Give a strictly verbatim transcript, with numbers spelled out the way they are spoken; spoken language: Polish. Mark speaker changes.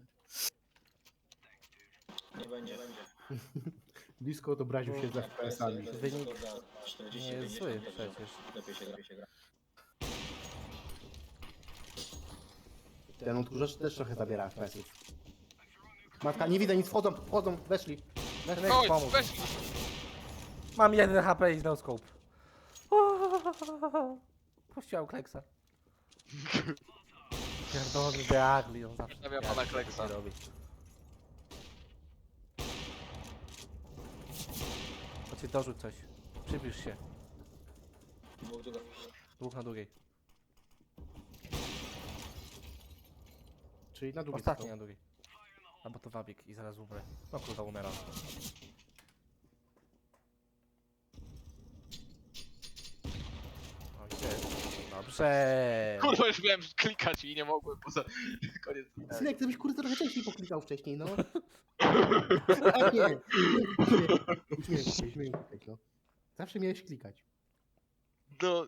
Speaker 1: Nie będzie.
Speaker 2: Discord obraził się za F P S-ami.
Speaker 3: Wynik nie jest zły przecież.
Speaker 1: Lepiej się gra, się gra.
Speaker 2: Ten odkurzacz też trochę zabiera F P S-ów. Matka, nie widzę nic, wchodzą, wchodzą, weszli.
Speaker 3: Weszli,
Speaker 4: Chodź,
Speaker 3: pomóż.
Speaker 4: weź.
Speaker 3: Mam jeden H P i no scope. Puściłam Kleksa. Pierdolony Deagli, on zawsze
Speaker 4: Pozdrawiam
Speaker 3: jak
Speaker 4: pana
Speaker 3: to
Speaker 4: Kleksa.
Speaker 3: robi. Chodźcie, dorzuć coś. Przybliż się.
Speaker 1: Dwóch długo.
Speaker 3: Dwóch na długiej.
Speaker 2: Czyli na długie
Speaker 3: Ostatni
Speaker 2: są.
Speaker 3: na długiej. Albo to wabik i zaraz umrę. No kurwa, umieram. O, gdzie jest? Dobrze.
Speaker 4: Kurwa, już miałem klikać i nie mogłem, poza... Koniec.
Speaker 2: Synek, gdybyś kurde trochę częściej poklikał wcześniej, no. A nie. Uśmiech się, uśmiech się, no. Zawsze miałeś klikać.
Speaker 4: No,